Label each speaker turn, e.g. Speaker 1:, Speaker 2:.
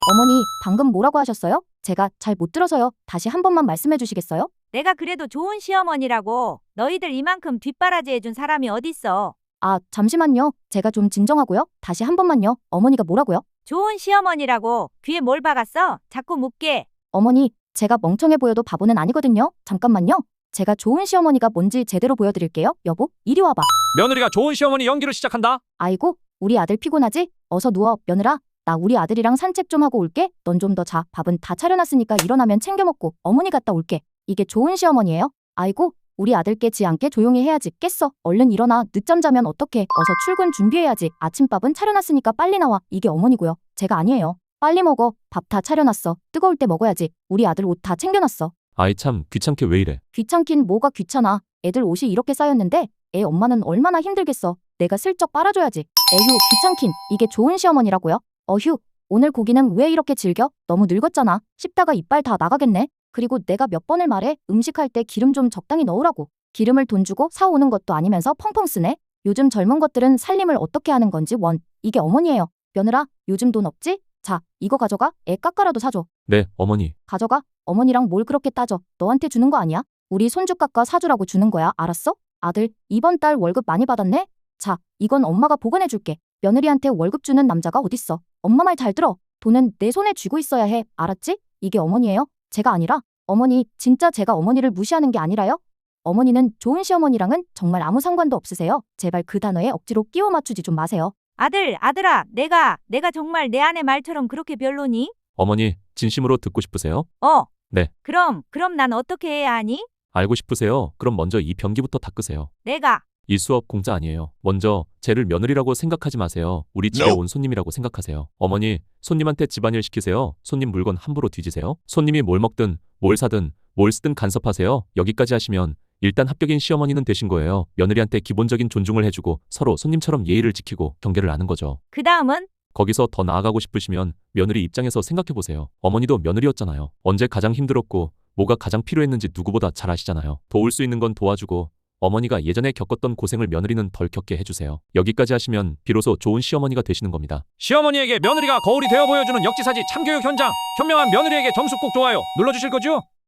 Speaker 1: 어머니, 방금 뭐라고 하셨어요? 제가 잘 못 들어서요. 다시 한 번만 말씀해 주시겠어요?
Speaker 2: 내가 그래도 좋은 시어머니라고. 너희들 이만큼 뒷바라지 해준 사람이 어딨어.
Speaker 1: 아, 잠시만요. 제가 좀 진정하고요. 다시 한 번만요. 어머니가 뭐라고요?
Speaker 2: 좋은 시어머니라고. 귀에 뭘 박았어? 자꾸 묻게.
Speaker 1: 어머니, 제가 멍청해 보여도 바보는 아니거든요. 잠깐만요. 제가 좋은 시어머니가 뭔지 제대로 보여드릴게요. 여보, 이리 와봐.
Speaker 3: 며느리가 좋은 시어머니 연기를 시작한다.
Speaker 1: 아이고, 우리 아들 피곤하지? 어서 누워, 며느라. 나 우리 아들이랑 산책 좀 하고 올게. 넌 좀 더 자. 밥은 다 차려놨으니까 일어나면 챙겨 먹고 어머니 갔다 올게. 이게 좋은 시어머니예요? 아이고, 우리 아들 깨지 않게 조용히 해야지. 깼어. 얼른 일어나. 늦잠 자면 어떡해. 어서 출근 준비해야지. 아침밥은 차려놨으니까 빨리 나와. 이게 어머니고요. 제가 아니에요. 빨리 먹어. 밥 다 차려놨어. 뜨거울 때 먹어야지. 우리 아들 옷 다 챙겨놨어.
Speaker 3: 아이 참 귀찮게 왜 이래.
Speaker 1: 귀찮긴 뭐가 귀찮아. 애들 옷이 이렇게 쌓였는데 애 엄마는 얼마나 힘들겠어. 내가 슬쩍 빨아줘야지. 에휴, 귀찮긴. 이게 좋은 시어머니라고요? 어휴, 오늘 고기는 왜 이렇게 질겨? 너무 늙었잖아. 씹다가 이빨 다 나가겠네. 그리고 내가 몇 번을 말해. 음식할 때 기름 좀 적당히 넣으라고. 기름을 돈 주고 사오는 것도 아니면서 펑펑 쓰네. 요즘 젊은 것들은 살림을 어떻게 하는 건지 원. 이게 어머니예요. 며느라, 요즘 돈 없지? 자, 이거 가져가. 애 깎아라도 사줘.
Speaker 3: 네, 어머니.
Speaker 1: 가져가. 어머니랑 뭘 그렇게 따져. 너한테 주는 거 아니야? 우리 손주 깎아 사주라고 주는 거야. 알았어? 아들, 이번 달 월급 많이 받았네? 자, 이건 엄마가 보관해줄게. 며느리한테 월급 주는 남자가 어딨어. 엄마 말 잘 들어. 돈은 내 손에 쥐고 있어야 해. 알았지? 이게 어머니예요? 제가 아니라. 어머니, 진짜 제가 어머니를 무시하는 게 아니라요? 어머니는 좋은 시어머니랑은 정말 아무 상관도 없으세요. 제발 그 단어에 억지로 끼워 맞추지 좀 마세요.
Speaker 2: 아들아, 내가 정말 내 아내 말처럼 그렇게 별로니?
Speaker 3: 어머니, 진심으로 듣고 싶으세요?
Speaker 2: 어.
Speaker 3: 네.
Speaker 2: 그럼 난 어떻게 해야 하니?
Speaker 3: 알고 싶으세요? 그럼 먼저 이 변기부터 닦으세요.
Speaker 2: 내가.
Speaker 3: 이 수업 공짜 아니에요. 먼저 쟤를 며느리라고 생각하지 마세요. 우리 집에 온 손님이라고 생각하세요. 어머니, 손님한테 집안일 시키세요. 손님 물건 함부로 뒤지세요. 손님이 뭘 먹든 뭘 사든 뭘 쓰든 간섭하세요. 여기까지 하시면 일단 합격인 시어머니는 되신 거예요. 며느리한테 기본적인 존중을 해주고 서로 손님처럼 예의를 지키고 경계를 아는 거죠.
Speaker 2: 그 다음은?
Speaker 3: 거기서 더 나아가고 싶으시면 며느리 입장에서 생각해보세요. 어머니도 며느리였잖아요. 언제 가장 힘들었고 뭐가 가장 필요했는지 누구보다 잘 아시잖아요. 도울 수 있는 건 도와주고 어머니가 예전에 겪었던 고생을 며느리는 덜 겪게 해주세요. 여기까지 하시면 비로소 좋은 시어머니가 되시는 겁니다. 시어머니에게 며느리가 거울이 되어 보여주는 역지사지 참교육 현장. 현명한 며느리에게 점수 꼭 좋아요 눌러주실 거죠?